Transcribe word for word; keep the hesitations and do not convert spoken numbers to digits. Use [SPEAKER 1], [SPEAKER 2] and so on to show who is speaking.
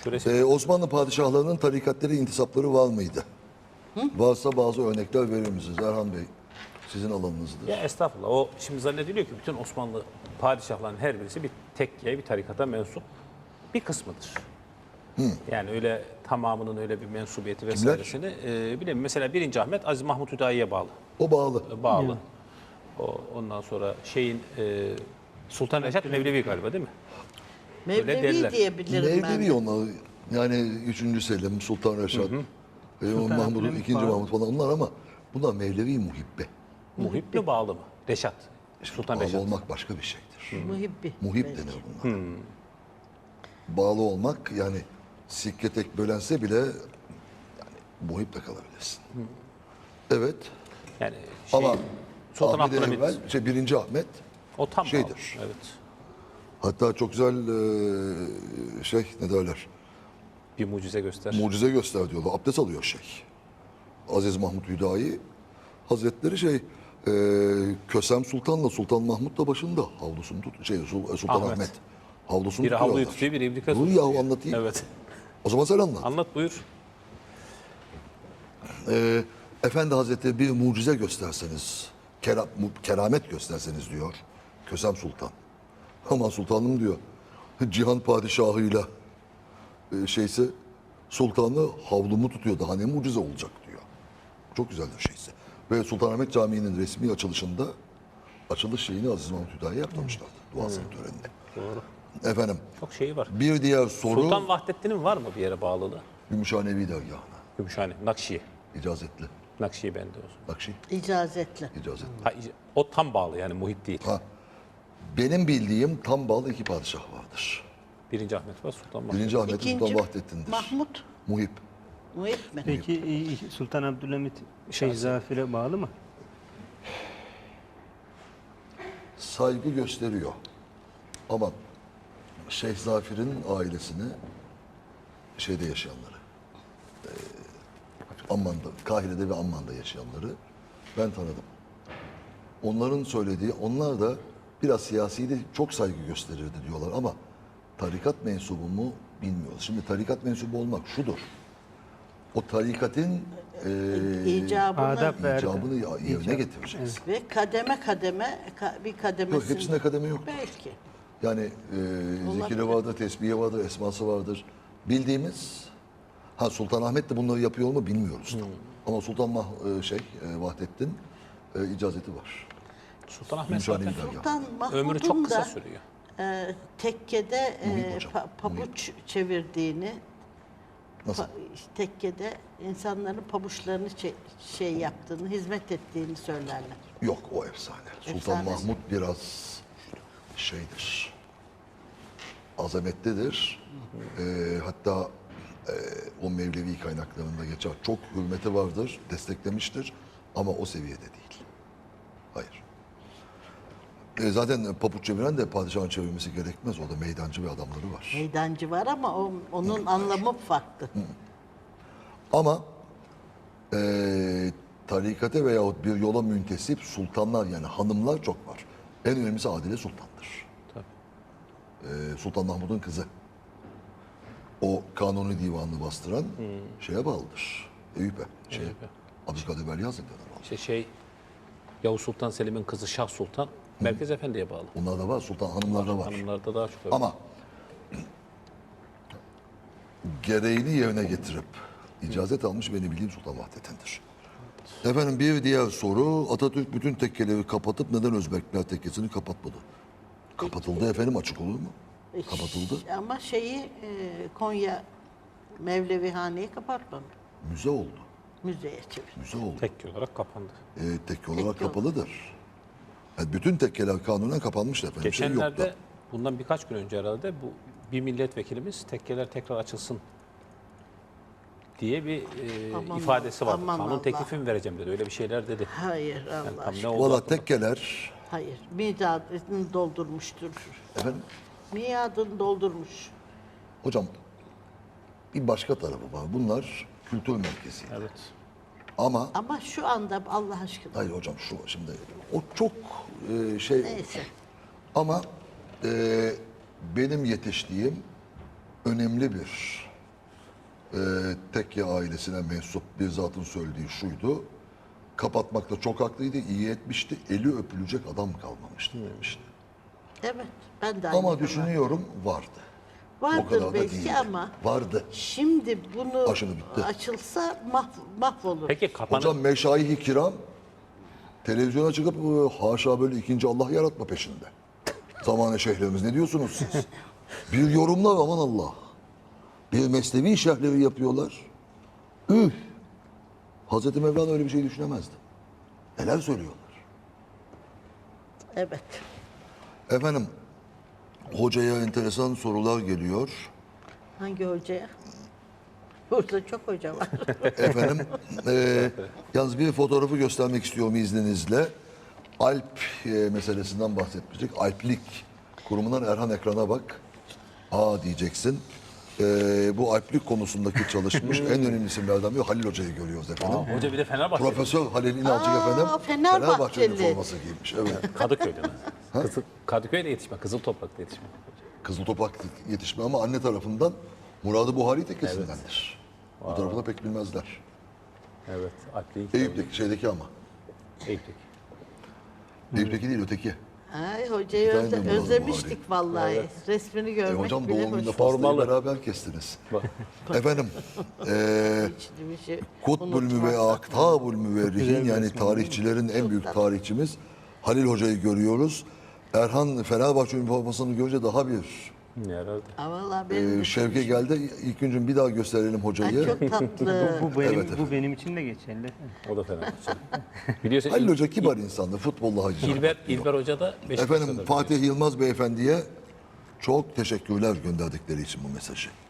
[SPEAKER 1] Ee, Osmanlı padişahlarının tarikatları, intisapları var mıydı? Hı? Varsa bazı örnekler verir misiniz? Erhan Bey, sizin alanınızdır.
[SPEAKER 2] Ya estağfurullah. O şimdi zannediliyor ki bütün Osmanlı padişahların her birisi bir tekkeye, bir tarikata mensup bir kısmıdır. Hı. Yani öyle tamamının öyle bir mensubiyeti vesairesini e, bilemiyorum. Mesela birinci Ahmet Aziz Mahmut Hüdayi'ye bağlı.
[SPEAKER 1] O bağlı.
[SPEAKER 2] E, bağlı. Hı. O, ondan sonra şeyin e, Sultan Reşat Mevlevi galiba değil mi?
[SPEAKER 3] Mevlevi diyebilirim ben.
[SPEAKER 1] Mevlevi onlar. Yani üçüncü Selim, Sultan Reşat, e, Mahmut, ikinci Mahmut falan onlar ama bunlar Mevlevi muhibbe.
[SPEAKER 2] Muhib mi bağlı mı? Reşat. Sultan
[SPEAKER 1] Bağlı
[SPEAKER 2] Reşat.
[SPEAKER 1] olmak başka bir şeydir.
[SPEAKER 3] Hı. Muhibbi.
[SPEAKER 1] Muhib
[SPEAKER 3] belki.
[SPEAKER 1] denir bunlar. Hmm. Bağlı olmak yani sikke tek bölense bile yani muhib de kalabilirsin. Hmm. Evet.
[SPEAKER 2] Yani şey,
[SPEAKER 1] ama
[SPEAKER 2] Sultan
[SPEAKER 1] Ahmet
[SPEAKER 2] Abdülhamit.
[SPEAKER 1] evvel, şey, birinci Ahmet
[SPEAKER 2] o tam
[SPEAKER 1] şeydir.
[SPEAKER 2] Bağlı. Evet.
[SPEAKER 1] Hatta çok güzel e, şey ne derler?
[SPEAKER 2] Bir mucize göster.
[SPEAKER 1] Mucize göster diyorlar. Abdest alıyor şey. Aziz Mahmut Hüdayi Hazretleri şey e, Kösem Sultan'la Sultan Mahmut da başında havlusunu tut şey Sultan Ahmet, Ahmet havlusunu
[SPEAKER 2] biri
[SPEAKER 1] tutuyorlar.
[SPEAKER 2] havluyu tutuyor, biri ibrika
[SPEAKER 1] tutuyor. Dur yahu anlatayım.
[SPEAKER 2] Evet.
[SPEAKER 1] O zaman sen anlat.
[SPEAKER 2] Anlat buyur.
[SPEAKER 1] E, Efendi Hazretleri bir mucize gösterseniz, kera, keramet gösterseniz diyor Kösem Sultan. Aman sultanım diyor. Cihan padişahıyla e, şeyse sultanı havlumu tutuyor. Daha ne mucize olacak diyor. Çok güzeldir şeyse. Ve Sultanahmet Camii'nin resmi açılışında açılış şeyini Aziz Mahmut Hüdayi yaptırmışlardı. Duasının hmm. töreninde.
[SPEAKER 2] Doğru.
[SPEAKER 1] Efendim.
[SPEAKER 2] Çok şeyi var.
[SPEAKER 1] Bir diğer soru.
[SPEAKER 2] Sultan Vahdettin'in var mı bir yere bağlılığı?
[SPEAKER 1] Gümüşhanevi dergahına.
[SPEAKER 2] Gümüşhane. Nakşiye.
[SPEAKER 1] İcazetli.
[SPEAKER 2] Nakşiye bende o zaman.
[SPEAKER 1] Nakşi.
[SPEAKER 3] İcazetli.
[SPEAKER 1] İcazetli.
[SPEAKER 2] Ha, o tam bağlı yani muhit değil.
[SPEAKER 1] Ha. Benim bildiğim tam bağlı iki padişah vardır.
[SPEAKER 2] Birinci Ahmet var, Sultan Mahmut.
[SPEAKER 1] Birinci Ahmet
[SPEAKER 3] İkinci
[SPEAKER 1] Sultan Vahdettin'dir.
[SPEAKER 3] Mahmut.
[SPEAKER 1] Muhip.
[SPEAKER 3] Muhip mi?
[SPEAKER 4] Peki e, Sultan Abdülhamit Şeyh Zafir'e bağlı mı?
[SPEAKER 1] Saygı gösteriyor. Ama Şeyh Zafir'in ailesini şeyde yaşayanları, e, Amman'da, Kahire'de ve Amman'da yaşayanları ben tanıdım. Onların söylediği, onlar da biraz siyasiydi, çok saygı gösterirdi diyorlar ama tarikat mensubu mu bilmiyoruz. Şimdi tarikat mensubu olmak şudur. O tarikatın e,
[SPEAKER 3] İcabını
[SPEAKER 4] Adab ve
[SPEAKER 1] icabını yerine
[SPEAKER 4] İcab.
[SPEAKER 1] getireceksin.
[SPEAKER 3] ve kademe kademe ka- bir kademesinde.
[SPEAKER 1] Yok, hepsinde kademe yoktur.
[SPEAKER 3] Belki.
[SPEAKER 1] Yani e, zikiri vardır, tesbihi vardır, esması vardır. Bildiğimiz, ha Sultanahmet de bunları yapıyor mu bilmiyoruz. Hmm. Ama Sultan Mah, e, şey, e, Vahdettin e, icazeti var.
[SPEAKER 2] Sultan Ahmet
[SPEAKER 1] Gümüşhane
[SPEAKER 2] zaten
[SPEAKER 1] dergahı.
[SPEAKER 3] Sultan
[SPEAKER 2] ömrü çok
[SPEAKER 3] Mahmud'un
[SPEAKER 2] kısa
[SPEAKER 3] da
[SPEAKER 2] sürüyor.
[SPEAKER 3] e, tekkede e,
[SPEAKER 1] Muhip hocam,
[SPEAKER 3] pa- pabuç çevirdiğini,
[SPEAKER 1] Nasıl?
[SPEAKER 3] pa- tekkede insanların pabuçlarını çe- şey yaptığını, hizmet ettiğini söylerler.
[SPEAKER 1] Yok, o efsane. Sultan
[SPEAKER 3] Efsanesi.
[SPEAKER 1] Mahmud biraz şeydir, azametlidir. E, hatta e, o Mevlevi kaynaklarında geçer. Çok hürmeti vardır, desteklemiştir ama o seviyede değil. Hayır. E, zaten papuç çeviren de padişahın çevirmesi gerekmez. Orada meydancı ve adamları var.
[SPEAKER 3] Meydancı var ama o, onun anlamı farklı.
[SPEAKER 1] Ama e, tarikate veyahut bir yola müntesip sultanlar yani hanımlar çok var. En önemlisi Adile Sultan'dır.
[SPEAKER 2] Tabii.
[SPEAKER 1] E, Sultan Mahmud'un kızı. O kanuni divanını bastıran şeye bağlıdır. Eyüp'e. Şey,
[SPEAKER 2] Eyüp'e.
[SPEAKER 1] Abdülkadir Veli Hazretleri'ne bağlı.
[SPEAKER 2] İşte şey, Yavuz Sultan Selim'in kızı Şah Sultan, Merkez Efendi'ye bağlı.
[SPEAKER 1] Bunlar da var. Sultan hanımlarda var.
[SPEAKER 2] Hanımlarda daha çok öyle.
[SPEAKER 1] Ama gereğini yerine getirip icazet almış benim bildiğim Sultan Vahdettin'dir. Efendim bir diğer soru. Atatürk bütün tekkeleri kapatıp neden Özbekler tekkesini kapatmadı? Kapatıldı efendim, açık olur mu? Kapatıldı.
[SPEAKER 3] Ama şeyi e, Konya Mevlevihane'yi kapatmadı.
[SPEAKER 1] Müze oldu.
[SPEAKER 3] Müzeye çevir.
[SPEAKER 1] Müze oldu.
[SPEAKER 2] Tekke olarak kapandı.
[SPEAKER 1] E, tekke olarak
[SPEAKER 3] Tekke
[SPEAKER 1] kapalıdır. Yani bütün tekkeler kanunen kapanmıştır efendim. Şey yok da.
[SPEAKER 2] Geçenlerde, bundan birkaç gün önce herhalde bu bir milletvekilimiz tekkeler tekrar açılsın diye bir e,
[SPEAKER 3] Aman
[SPEAKER 2] ifadesi vardı.
[SPEAKER 3] aman
[SPEAKER 2] Kanun
[SPEAKER 3] Allah.
[SPEAKER 2] teklifi mi vereceğim dedi. Öyle bir şeyler dedi.
[SPEAKER 3] Hayır
[SPEAKER 2] Yani
[SPEAKER 3] Allah
[SPEAKER 2] tam ne
[SPEAKER 3] aşkına.
[SPEAKER 2] oldu?
[SPEAKER 1] Valla
[SPEAKER 2] aklımda.
[SPEAKER 1] tekkeler
[SPEAKER 3] Hayır. Miadını doldurmuştur.
[SPEAKER 1] efendim
[SPEAKER 3] Miadını doldurmuş.
[SPEAKER 1] hocam bir başka tarafı var. Bunlar kültür merkezi.
[SPEAKER 2] Evet.
[SPEAKER 1] Ama
[SPEAKER 3] Ama şu anda Allah aşkına.
[SPEAKER 1] hayır hocam şu şimdi o çok e, şey
[SPEAKER 3] Neyse.
[SPEAKER 1] ama e, benim yetiştiğim önemli bir tekke ailesine mensup bir zatın söylediği şuydu. Kapatmakta çok haklıydı, iyi etmişti. Eli öpülecek adam kalmamıştı demişti.
[SPEAKER 3] Evet. Ben de aynı
[SPEAKER 1] Ama
[SPEAKER 3] zaman.
[SPEAKER 1] düşünüyorum vardı. O
[SPEAKER 3] Vardır
[SPEAKER 1] kadar da
[SPEAKER 3] belki
[SPEAKER 1] değildi.
[SPEAKER 3] ama
[SPEAKER 1] Vardı.
[SPEAKER 3] şimdi bunu
[SPEAKER 1] Aşını bitti.
[SPEAKER 3] açılsa mah, mahvolur.
[SPEAKER 2] Peki kapanı
[SPEAKER 1] Hocam meşayih-i kiram televizyona çıkıp e, haşa böyle ikinci Allah yaratma peşinde. Zamane şeyhlerimiz ne diyorsunuz siz? Bir yorumlar aman Allah. Bir mesnevi şerhleri yapıyorlar. Üh! Hazreti Mevlana öyle bir şey düşünemezdi. Neler söylüyorlar?
[SPEAKER 3] Evet.
[SPEAKER 1] Efendim, hocaya enteresan sorular geliyor.
[SPEAKER 3] Hangi hocaya? Burada çok hoca var.
[SPEAKER 1] Efendim, e, yalnız bir fotoğrafı göstermek istiyorum izninizle. Alp e, meselesinden bahsetmiştik. Alplik kurumundan Erhan ekrana bak. Aa diyeceksin. E, bu alplik konusundaki çalışmış en önemli isimlerden biri Halil Hoca'yı görüyoruz efendim.
[SPEAKER 2] Aa, hoca bir de Fenerbahçe.
[SPEAKER 1] Profesör Halil İnalcık
[SPEAKER 3] Aa,
[SPEAKER 1] efendim.
[SPEAKER 3] Fenerbahçeli.
[SPEAKER 1] Fenerbahçe'nin forması giymiş. Evet.
[SPEAKER 2] Kadıköy'de mi? Kızıl, Kadıköy'de yetişme, Kızıl Toprak'ta yetişme.
[SPEAKER 1] Kızıl Toprak yetişme ama anne tarafından Muradı Buhari tekkesindendir. Bu tarafı da pek bilmezler.
[SPEAKER 2] Evet, Alplik.
[SPEAKER 1] Eyüp'teki şeydeki ama.
[SPEAKER 2] Eyüp'teki.
[SPEAKER 1] Eyüp'teki değil öteki.
[SPEAKER 3] Ay, hocayı
[SPEAKER 1] Bir tane
[SPEAKER 3] özle-
[SPEAKER 1] de Murat
[SPEAKER 3] özlemiştik vallahi.
[SPEAKER 2] Evet.
[SPEAKER 3] Resmini
[SPEAKER 1] E,
[SPEAKER 3] görmek
[SPEAKER 1] hocam
[SPEAKER 3] bile
[SPEAKER 1] doğum
[SPEAKER 3] hoş.
[SPEAKER 1] gününde pastayı
[SPEAKER 2] Formalı.
[SPEAKER 1] beraber kestiniz.
[SPEAKER 2] Bak.
[SPEAKER 1] Efendim, eee
[SPEAKER 3] Hiç bir şey
[SPEAKER 1] Kutbul Müve
[SPEAKER 3] unutmazsak.
[SPEAKER 1] Aktabul Müverrihin yani tarihçilerin en büyük tarihçimiz Halil Hoca'yı görüyoruz. Erhan Fenerbahçe üniformasını görünce daha bir
[SPEAKER 2] Herhalde.
[SPEAKER 3] Aa, vallahi benim
[SPEAKER 1] e, şevke geldi. İlk gün bir daha gösterelim
[SPEAKER 3] Ay,
[SPEAKER 1] hocayı.
[SPEAKER 3] çok tatlı.
[SPEAKER 4] Bu benim
[SPEAKER 1] Evet
[SPEAKER 4] bu benim için de geçerli.
[SPEAKER 2] O da Fenerbahçe. Biliyorsun
[SPEAKER 1] Halil
[SPEAKER 2] İl-
[SPEAKER 1] Hoca kibar insandı. Futbolla hacı.
[SPEAKER 2] İlber, İlber Hoca da Beşiktaş'ta.
[SPEAKER 1] Efendim Fatih Yılmaz Beyefendi'ye çok teşekkürler gönderdikleri için bu mesajı.